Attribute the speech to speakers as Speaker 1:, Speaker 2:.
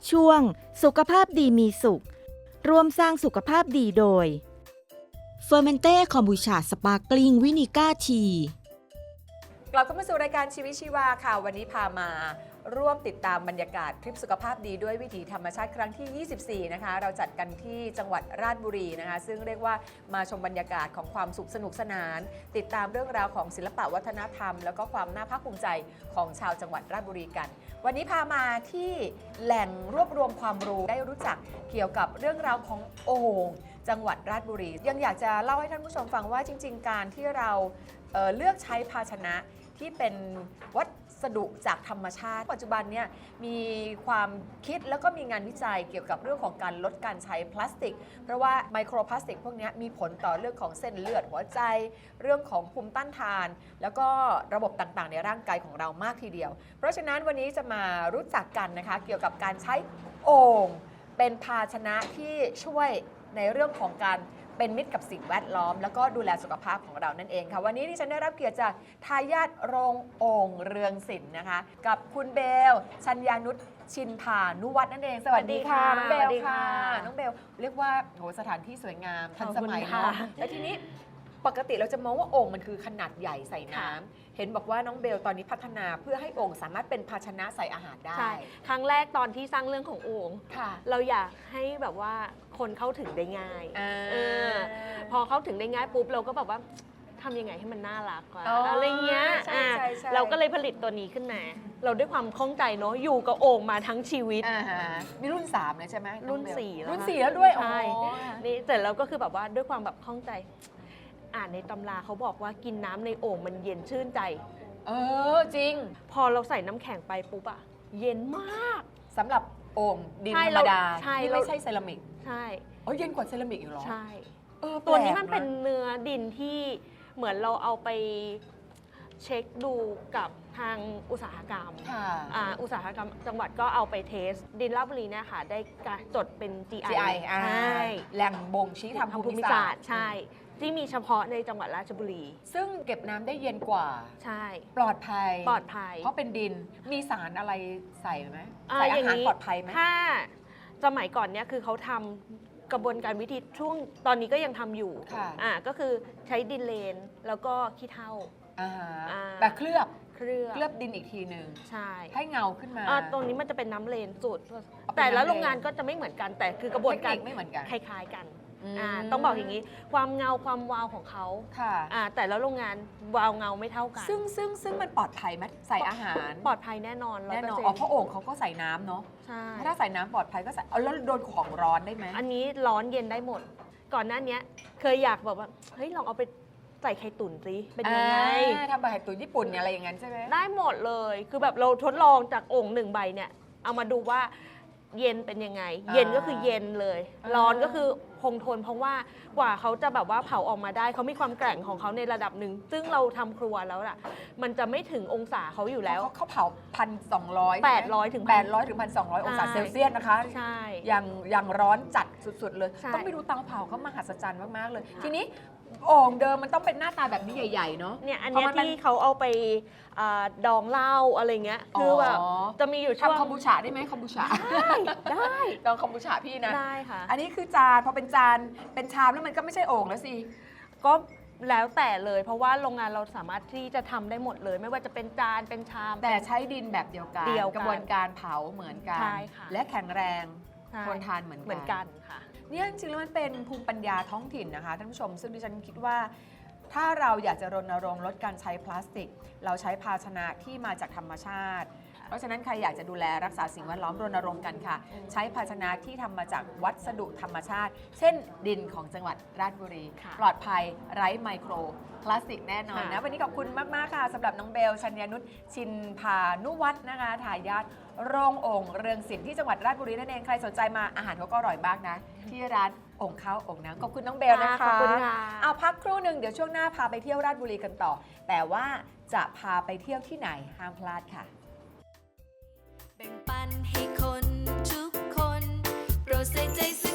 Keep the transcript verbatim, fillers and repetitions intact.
Speaker 1: ช่วงสุขภาพดีมีสุขร่วมสร้างสุขภาพดีโดยเฟอร์เมนเต้คอมบูชาสปาร์กลิงวินิก้าที
Speaker 2: กลับเข้ามาสู่รายการชีวิตชีวาค่ะวันนี้พามาร่วมติดตามบรรยากาศทริปสุขภาพดีด้วยวิถีธรรมชาติครั้งที่ ยี่สิบสี่ นะคะเราจัดกันที่จังหวัดราชบุรีนะคะซึ่งเรียกว่ามาชมบรรยากาศของความสุขสนุกสนานติดตามเรื่องราวของศิลปะวัฒนธรรมแล้วก็ความน่าภาคภูมิใจของชาวจังหวัดราชบุรีกันวันนี้พามาที่แหล่งรวบรวมความรู้ได้รู้จักเกี่ยวกับเรื่องราวของโอ่งจังหวัดราชบุรียังอยากจะเล่าให้ท่านผู้ชมฟังว่าจริงๆการที่เราเอ่อเลือกใช้ภาชนะที่เป็นวัสดุจากธรรมชาติปัจจุบันเนี่ยมีความคิดแล้วก็มีงานวิจัยเกี่ยวกับเรื่องของการลดการใช้พลาสติกเพราะว่าไมโครพลาสติกพวกนี้มีผลต่อเรื่องของเส้นเลือดหัวใจเรื่องของภูมิต้านทานแล้วก็ระบบต่างๆในร่างกายของเรามากทีเดียวเพราะฉะนั้นวันนี้จะมารู้จักกันนะคะเกี่ยวกับการใช้โอ่งเป็นภาชนะที่ช่วยในเรื่องของการเป็นมิตรกับสิ่งแวดล้อมแล้วก็ดูแลสุขภาพของเรานั่นเองค่ะวันนี้ที่ฉันได้รับเกียรติจากทายาทโรงโอ่งเรืองศิลป์นะคะกับคุณเบลชัญญานุชชินพานุวัฒน์นั่นเองสวัสดีค่ะน้องเบลค่ะน้องเบลเรียกว่าโหสถานที่สวยงามทันสมัยเนาะแล้วทีนี้ปกติเราจะมองว่าโอ่งมันคือขนาดใหญ่ใส่น้ำเห็นบอกว่าน้องเบลตอนนี้พัฒนาเพื่อให้โอ่งสามารถเป็นภาชนะใส่อาหารได้
Speaker 3: ใช่ครั้งแรกตอนที่สร้างเรื่องของโอ่งเราอยากให้แบบว่าคนเข้าถึงได้ง่ายออพอเข้าถึงได้ง่ายปุ๊บเราก็แบบว่าทำยังไงให้มันน่ารักกว่าอะไรเงี้ยเราก็เลยผลิตตัวนี้ขึ้นมาเราด้วยความคล่องใจเนาะอยู่กับโอ่งมาทั้งชีวิต
Speaker 2: มีรุ่นสามเลยใช่ไหม
Speaker 3: รุ่นสี่
Speaker 2: รุ่นสี่แล้วด้วย
Speaker 3: ใช่นี่แต่เราก็คือแบบว่าด้วยความแบบคล่องใจอ่านในตำราเขาบอกว่ากินน้ำในโอ่งมันเย็นชื่นใจ
Speaker 2: เออจริง
Speaker 3: พอเราใส่น้ำแข็งไปปุ๊บอะเย็นมาก
Speaker 2: สำหรับโอ่งดินธรรมดาที่ไม่ใช่เซรามิก
Speaker 3: ใช่
Speaker 2: อ๋อเย็นกว่าเซรามิกอีกเหรอ
Speaker 3: ใช่ตัวนี้มันเป็นเนื้อดินที่เหมือนเราเอาไปเช็คดูกับทางอุตสาหกรรมอุตสาหกรรมจังหวัดก็เอาไปเทสดินราชบุรีเนี่ยค่ะได้จดเป็น จี ไอ
Speaker 2: ใช่แหล่งบ่งชี้ทางภูมิศาสตร์
Speaker 3: ใช่ที่มีเฉพาะในจังหวัดราชบุรี
Speaker 2: ซึ่งเก็บน้ำได้เย็นกว่า
Speaker 3: ใช่
Speaker 2: ปลอดภัย
Speaker 3: ปลอดภัย
Speaker 2: เพราะเป็นดินมีสารอะไรใส่ไหมใส่อาหารปลอดภัยไหม
Speaker 3: ถ้าสมัยก่อนเนี่ยคือเขาทำกระบวนการวิธีช่วงตอนนี้ก็ยังทำอยู่อ่าก็คือใช้ดินเลนแล้วก็ขี้เถ้า
Speaker 2: แต่เคลือบ
Speaker 3: เคลือบ
Speaker 2: เคลือบดินอีกทีหนึ่ง
Speaker 3: ใช่
Speaker 2: ให้เงาขึ้นมา
Speaker 3: ตรงนี้มันจะเป็นน้ำเลนสูตรแต่ละโรงงานก็จะไม่เหมือนกันแต่คือกระบวนการ
Speaker 2: ไม่เหมือนกัน
Speaker 3: คล้ายๆกันต้องบอกอย่างนี้ความเงาความวาวของเขาแต่แล้วโรงงานวาวเงาไม่เท่ากัน
Speaker 2: ซึ่งซึ่งซึ่งมันปลอดภัยไหมใส่อาหาร
Speaker 3: ปลอดภัยแน่นอน
Speaker 2: แน่นอนอ๋อเพราะโอ่งเขาก็ใส่น้ำเนาะ
Speaker 3: ใช่
Speaker 2: ถ้าใส่น้ำปลอดภัยก็ใส่เอาแล้วโดนของร้อนได้ไหม
Speaker 3: อันนี้ร้อนเย็นได้หมดก่อนหน้านี้เคยอยากแบบว่าเฮ้ยลองเอาไปใส่ไข่ตุ๋นสิเป็นยังไง
Speaker 2: ทำแบบไข่ตุ๋นญี่ปุ่นอะไรอย่างนั้นใช่ไหม
Speaker 3: ได้หมดเลยคือแบบเราทดลองจากโอ่งหนึ่งใบเนี่ยเอามาดูว่าเย็นเป็นยังไงเย็นก็คือเย็นเลยร้อนก็คือคงทนเพราะว่ากว่าเขาจะแบบว่าเผาออกมาได้เขามีความแกร่งของเขาในระดับหนึ่งซึ่งเราทำครัวแล้วล่ะมันจะไม่ถึงองศาเขาอยู่แล้ว
Speaker 2: เขาเผาพันสองร้อย
Speaker 3: แปดร้อยถึง
Speaker 2: แปดร้อยถึงพันสองร้อยองศาเซลเซียสนะคะ
Speaker 3: ใช่
Speaker 2: ยังยังร้อนจัดสุดๆเลยต้องไปดูเตาเผาเขามหัศจรรย์มากๆเลยทีนี้โอ่งเดิมมันต้องเป็นหน้าตาแบบนี้ใหญ่ๆเนาะ
Speaker 3: เนี่ยอันนี้ที่เขาเอาไปดองเหล้าอะไรเงี้ยคือแบบจะมีอยู่ช่วง
Speaker 2: ทำคอมบูชาได้ไหมคอมบูชา
Speaker 3: ได้ได้
Speaker 2: ดองคอมบูชาพี่นะ
Speaker 3: ได้ค่ะ
Speaker 2: อันนี้คือจานพอเป็นจานเป็นชามแล้วมันก็ไม่ใช่โอ่งแล้วสิ
Speaker 3: ก็แล้วแต่เลยเพราะว่าโรงงานเราสามารถที่จะทำได้หมดเลยไม่ว่าจะเป็นจานเป็นชาม
Speaker 2: แต่ใช้ดินแบบเดียวกันกระบวนการเผาเหมือนกันและแข็งแรงทนทานเหมือนกัน
Speaker 3: เหมือนกันค่ะ
Speaker 2: เนี่ยจริงๆแล้วมันเป็นภูมิปัญญาท้องถิ่นนะคะท่านผู้ชมซึ่งดิฉันคิดว่าถ้าเราอยากจะรณรงค์ลดการใช้พลาสติกเราใช้ภาชนะที่มาจากธรรมชาติเพราะฉะนั้นใครอยากจะดูแลรักษาสิ่งแวดล้อมรณรงค์กันค่ะใช้ภาชนะที่ทำมาจากวัสดุธรรมชาติเช่นดินของจังหวัดราชบุรีปลอดภัยไร้ไมโครพลาสติกแน่นอนนะวันนี้ขอบคุณมากๆค่ะสำหรับน้องเบลชัญญานุชชินพานุวัฒน์นะคะทายาทโรงโอ่งเรืองศิลป์ที่จังหวัดราชบุรีนั่นเองใครสนใจมาอาหารเขาก็อร่อยมากนะที่ร้านโอ่งข้าวโอ่งน้ำขอบคุณน้องเบลนะคะ
Speaker 3: ขอบคุณค่ะ
Speaker 2: เอาพักครู่หนึ่งเดี๋ยวช่วงหน้าพาไปเที่ยวราชบุรีกันต่อแต่ว่าจะพาไปเที่ยวที่ไหนห้ามพลาดค่ะ
Speaker 4: แบ่งปันให้คนทุกคนโปรดใส่ใจ